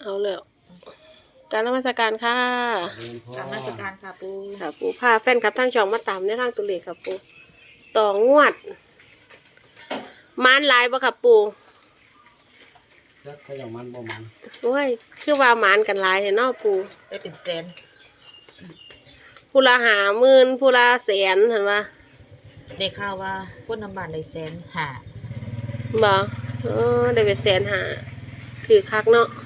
เอาเลยการนมัสการค่ะกรรมสการค่ะปูค่ะปูพาแฟนคลับทางช่องมาตามในทางตัวเลขค่ะปูต่องวดมานหลายบ่ค่ะปูแล้วเขาอย่างมันบ่มันโอ้ยคือว่ามานกันหลายเห็นเนาะปูได้เป็นแสนผู้ละ50,000ผู้ละแสนเห็นปะได้ข่าวว่าคนน้ำบานได้แสนหาบ่ได้เป็นแสนหาถือคักเนาะ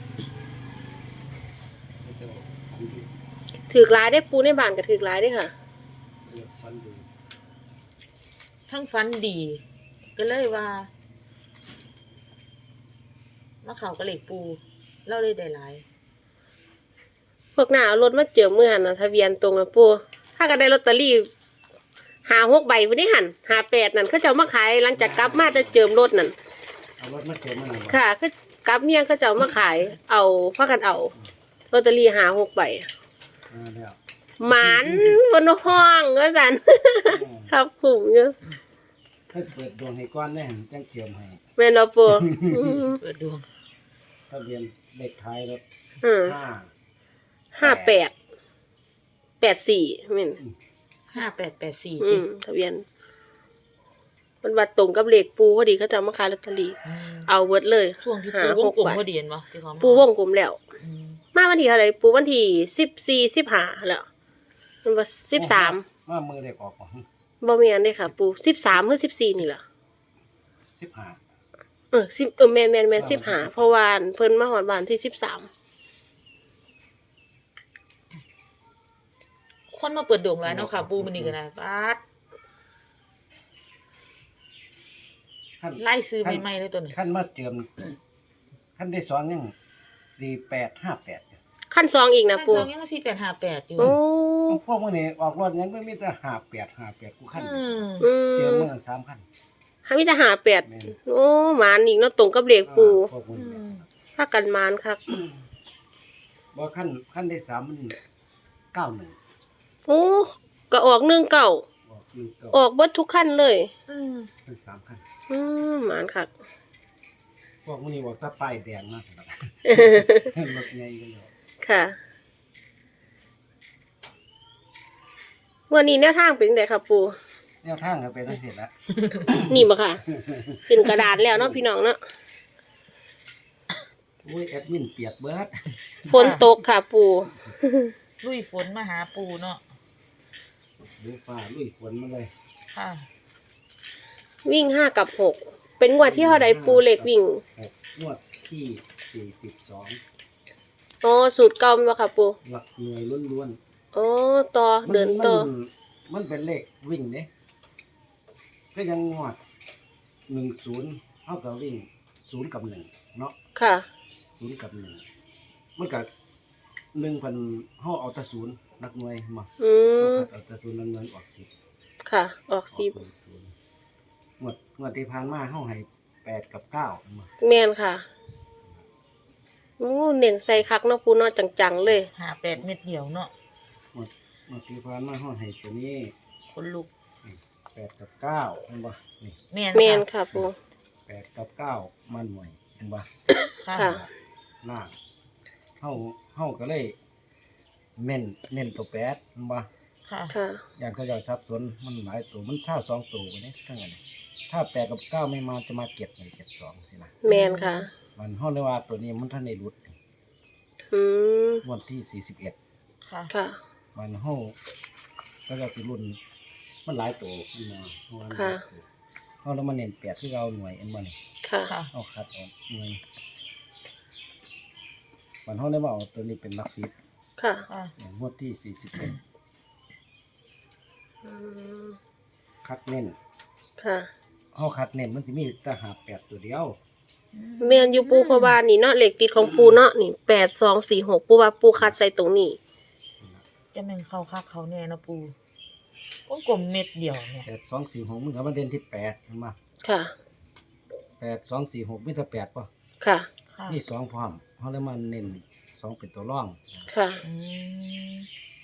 ถือหลายได้ปูในบ้านก็ถือหลายได้ค่ะฟันดูทั้งฟันดี ก็เลยว่ามาเข่ากระเหล็กปูเล่าเลยได้หลายพวกหน้าเอารถมาเจิมมือหันนะทะเบียนตรงนะปูถ้าก็ได้ลอตเตอรี่6 ใบพุ่นนี่หัน58นั่นเขาจะเอามาขายหลังจากกลับมาจะเจิมรถนั่นเอารถมาเจอมันหน่อยค่ะคือกลับเมียเขาจะเอามาขายเอาพากันเอาลอตเตอรี่6 ใบแล้วหมานบนห้องว่าซั่น ครับคุ้มอยู่ถ้าเปิดดวงให้ก้อนแน่จังเกี่ยวให้แม่นบ่ปูเปิดดวงทะเบียนเลขท้ายรถ 58 84แม่น 5884ติทะเบียนมันวัดตรงกับเลขปูพอดีเขาจะเอามาขายลอตเตอรี่เอาเบิดเลยช่วงที่ปูวงกลมพอดีเห็นบ่ที่เขาปูวงกลมแล้ว มาวันที่เท่าไหร่ปูวันที่14 15แล้วมันว่า13 ว่ามือเด็กออกของบ่แม่นเด้ค่ะปู13หรือ14นี่ล่ะ 15 10แม่น15เพราะว่าเพิ่นมาฮอดบ้านที่13 คนมาเปิดดวงหลายเนาะค่ะปูมื้อนี้ก็ได้ปาดไล่ซื้อใหม่ๆเลยตัวนี้ขั้นมาเจิมขั้นได้สองยัง4858 ขั้น2อีกนะปูซองยัง4858อยู่โอ้พวกมื้อนี้ออกรถยังไม่มีแต่58กูขั้นอืเจอมมื้อ3คันหามีแต่58โอ้หมานอีกเนาะตรงกับเลขปูพวกมื้อนี้พากันหมานคักบ่ขั้นได้3มัน91 โอ้ก็ออก19 ออก1 ออกเบิดทุกขั้นเลยเป็น3คันหมานคักพวกมื้อนี้ว่าถ้าป้ายแดงนะรถใหญ่กันแล้วค่ะวันนี้แนวทางเป็นจังไดครับปูแนวทางก็เป็นจังซี่ละนี่บ่ค่ะขึ้นกระดาษแล้วเนาะพี่น้องเนาะอุ้ยแอดมินเปียกเบิดฝนตกค่ะปูลุยฝนมาหาปูเนาะดูฟ้าลุยฝนมาเลยค่ะวิ่ง5 กับ 6 เป็นงวดที่เท่าใดปูเลขวิ่งงวดที่42 อ๋อสูตรเก่าแม่นบ่ค่ะปูหลักหน่วยล้วนอ๋อต่อๆเดินต่อมันเป็นเลขวิ่งเด้ก็ยังงวด10เท่ากับวิ่ง0กับ1เนาะค่ะ 0กับ1มันก็1,000เฮาเอาแต่0หลักหน่วยมา เอาแต่0หลักหน่วยออก10 ค่ะ ออก10 งวดที่ผ่านมาเฮาให้8กับ9มาแม่นค่ะโอ้เน้นใส่คักเนาะปูเนาะจังๆเลย 58เม็ดเดียวเนาะงวดที่ผ่านมาเฮาให้ตัวนี้คนลุก 8กับ9เห็นบ่นี่แม่นแม่นค่ะค่ะปู 8กับ9มาหน่วยเห็นบ่ค่ะค่ะล่างเฮาก็เลยเน้นตัว8เห็นบ่ค่ะค่ะอย่างเขาเจ้าสับสนมันหลายตัวมัน22ตัวบัดนี้ทั้งนั้นถ้า8กับ9ไม่มาจะมา7 1 7 2สินะแม่นค่ะมันเฮาเลยว่าตัวนี้มันทันได้หลุดอืมงวดที่41 ค่ะค่ะมันเฮาก็จะสิรุ่นมันหลายตัวมันมาเพราะว่ามันหค่ะลายตัวเฮาแล้วมันเน้น8คือเอาหน่วยอันบ่นี่ค่ะค่ะเอาคัดออกหน่วยมันเฮาเลยว่าเอาตัวนี้เป็นหลัก10 ค่ะค่ะงวดที่41 อืมคัดเน้นค่ะเฮาคัดเน้นมันสิมีแต่58ตัวเดียวแม่นอยู่ปูเพราะว่านี่เนาะเลขติดของปูเนาะนี่8246ปูว่าปูคัดใส่ตรงนี้จะแม่นเข้าคักเขาแน่เนาะปูวงกลมเม็ดเดียวเนี่ย 8246มันก็มาเด่นที่8เห็นบ่ค่ะ 8246มีแต่8ป่ะค่ะค่ะมี2พร้อมเฮาเลยมาเน้น2เป็นตัวรองค่ะอืม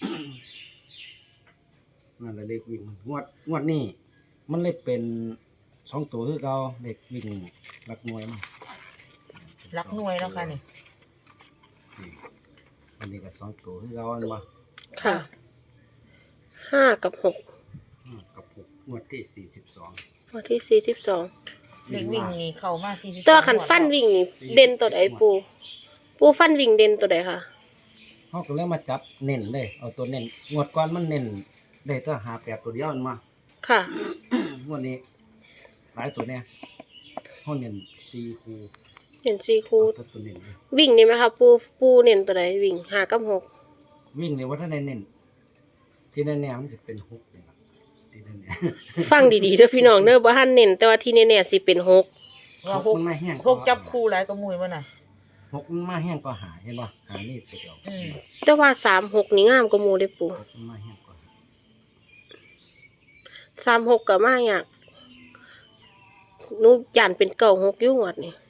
นั่นแหละเลขวิ่งงวดนี้มันเลยเป็น2ตัวคือเก่าเลขวิ่งหลักหน่วยมันรักหน่วยแล้วค่ะนี่อันนี้ก็สองตัวคือเราอันมาค่ะห้ากับหกกับหกงวดที่42 วันที่42 เด็กวิ่งนี่เข้ามา40 ตัวขันฟันวิ่งนี่เด่นตัวใดปูฟันวิ่งเด่นตัวใดค่ะเฮาก็เลยมาจับเน้นเลยเอาตัวเน้นงวดก่อนมันเน้นได้ตัว58ตัวเดียวมันมาค่ะงวดนี้หลายตัวเนี่ยเฮาเน้น4คู่เด่น4คู่เอาตัวเน้นเลยวิ่งนี่ไหมคะปูเน้นตัวใดวิ่ง5กับ6 วิ่งนี่ว่าถ้าได้เน้นที่แน่ๆมันสิเป็น6นี่ล่ะที่แน่ฟังดีๆเด้อพี่น้องเด้อบ่ทันเน้นแต่ว่าที่แน่ๆสิเป็น6 ว่าๆมันมาแห้งหกจับคู่หลายก็มุยบ่น่ะ 6มันมาแห้งก็หาเห็นบ่หานี่ตัวเดียวแต่ว่า36นี่งามกว่าหมู่เด้อปู 6มันมาแห้งก็หา 36ก็มาอยากหนูย่านเป็น96อยู่งวดนี่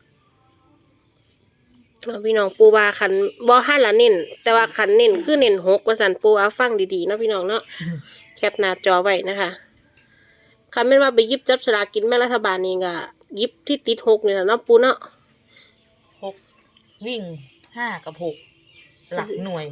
พี่น้องปูว่าคันบ่ทันละเน้นแต่ว่าคันเน้นคือเน้น6ว่าซั่นปูเอาฟังดีๆเนาะพี่น้องเนาะ แคปหน้าจอไว้นะคะคันแม่นว่าไปหยิบจับสลากกินแม่รัฐบาลนี่ก็หยิบที่ติด6นี่แหละเนาะปูเนาะ 6วิ่ง5กับ6หลักหน่วย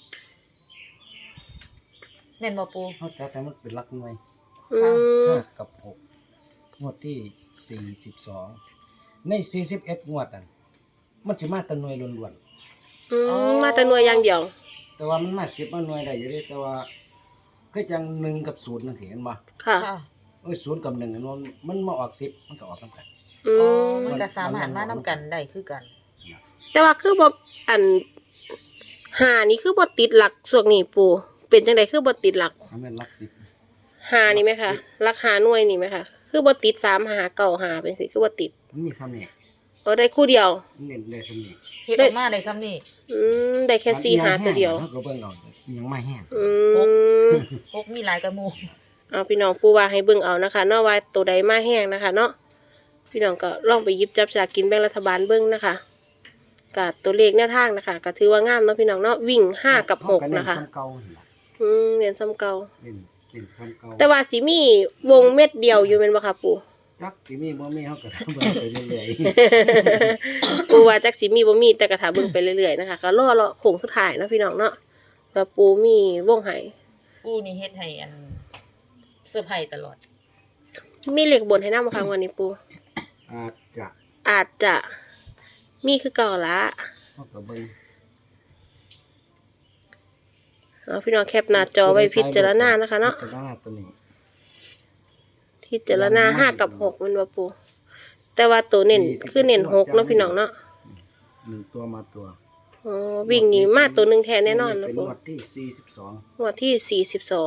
แม่นบ่ปูเฮาจับแต่มันเป็นหลักหน่วยอืม 5กับ6งวดที่42ใน41งวดนั่นมันสิมาแต่หน่วยล้วนมาแต่หน่วยอย่างเดียวๆแต่ว่ามันมา10มาหน่วยได้อยู่เด้แต่ว่าคือจัง1กับ0จังซี่เห็นบ่ค่ะค่ะโอ้ย0กับ1อันว่ามันมาออก10มันก็ออกนำกันอือ๋อมมันก็สามารถมานํกันได้คือกันแต่ว่าคือบ่อันหานี่คือบ่ติดหลักส่วนนี้ปูเป็นจังไดคือบ่ติดหลักมันเป็นหลัก10 หานี่ไหมคะหลักหาหน่วยนี่ไหมคะคือบ่ติด3หา9หาเป็นสิคือบ่ติดมันมีซ้ำนี่เอาได้คู่เดียวมันเน้นได้ซ้ำนี่เฮ็ดออกมาได้ซ้ำนี่ได้แค่4หาตัวเดียวเฮาก็เบิ่งเอายังไม่แห้งอืม 6มีหลายกระมูเอาพี่น้องปูว่าให้เบิ่งเอานะคะเนาะว่าตัวใดมาแห้งนะคะ เนาะพี่น้องก็ลองไปหยิบจับสลากกินแบ่งรัฐบาลเบิ่งนะคะกับตัวเลขแนวทางนะคะก็ถือว่างามเนาะพี่น้องเนาะวิ่ง5กับ6นะคะเฮาก็เซ้ำเก่าหั่นล่ะเรียนซ้ำเก่าเล่นซ้ำเก่าแต่ว่าสิมีวงเม็ดเดียวอยู่แม่นบ่คะปู่จักสิมีบ่มีเฮาก็ทำเบิ่งไปเรื่อยปู่ว่าจักสิมีบ่มีแต่ก็ถ้าเบิ่งไปเรื่อยๆนะคะก็รอโค้งสุดท้ายเนาะพี่น้องเนาะแล้วปู่มีวงให้ปูนี่เฮ็ดให้อันเซอร์ไพรส์ตลอดมีเลขบนให้นำบ่คะวันนี้ปู่ๆอาจจะมีคือเก่าละเฮาก็เบิ่งเอาพี่น้องแคปหน้าจอไว้พิจารณานะคะเนาะพิจารณาตัวนี้พิจารณา5กับ6มันว่าปู่แต่ว่าตัวเน้นคือเน้น6เนาะพี่น้องเนาะ 1ตัวมาตัวอ๋อวิ่งหนีมาตัวหนึงแทนแน่นอนเป็นะนปู่งวดที่42 งวดที่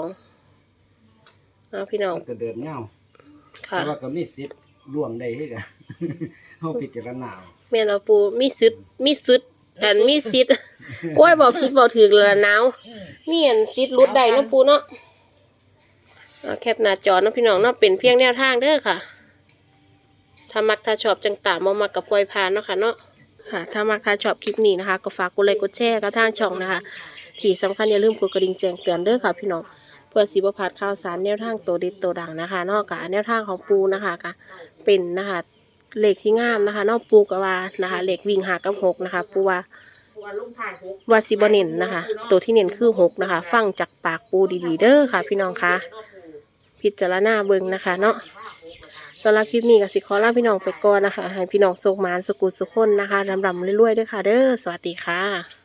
42เอาพี่น้องมันก็เดินยาวค่ะแต่ว่าก็มีสิทธิ์ล่วงได้คือกัน เฮาพิจารณาเอาแม่นเอาปูมีสิทธิ์มีสิทธิ์อันมีสิทธิ์ โอ้ยบอกผิดบอกถูกแล้วล่ะหนาวมีอันสิทธิ์หลุดได้เนาะปูเนาะเอาแคปหน้าจอเนาะพี่น้องเนาะเป็นเพียงแนวทางเด้อค่ะ ถ้ามักถ้าชอบจังตามบ่มักกับปล่อยผ่านเนาะค่ะเนาะค่ะ ถ้ามักถ้าชอบคลิปนี้นะคะ ก็ฝากกดไลค์กดแชร์กับทางช่องนะคะ ที่สำคัญอย่าลืมกดกระดิ่งแจ้งเตือนเด้อค่ะพี่น้องเพื่อสิบ่พลาดข่าวสารแนวทางตัวเด็ดตัวดังนะคะเนอกจากแนวทางของปูนะคะก็เป็นนะคะเลขที่งามนะคะเนอกปูก็ว่านะคะเลขวิ่ง5กับ6นะคะปูว่าสิบ่เน้นนะคะ ตัวที่เน้นคือ6นะคะ ฟังจากปากปูดีๆเด้อค่ะ พี่น้องคะพิจารณาเบิ่งนะคะเนาะสำหรับคลิปนี้ก็สิขอลาพี่น้องไปก่อนนะคะ ให้พี่น้องโชคหมานสุขุสุขคนนะคะรำๆรวยๆด้วยค่ะ เด้อสวัสดีค่ะ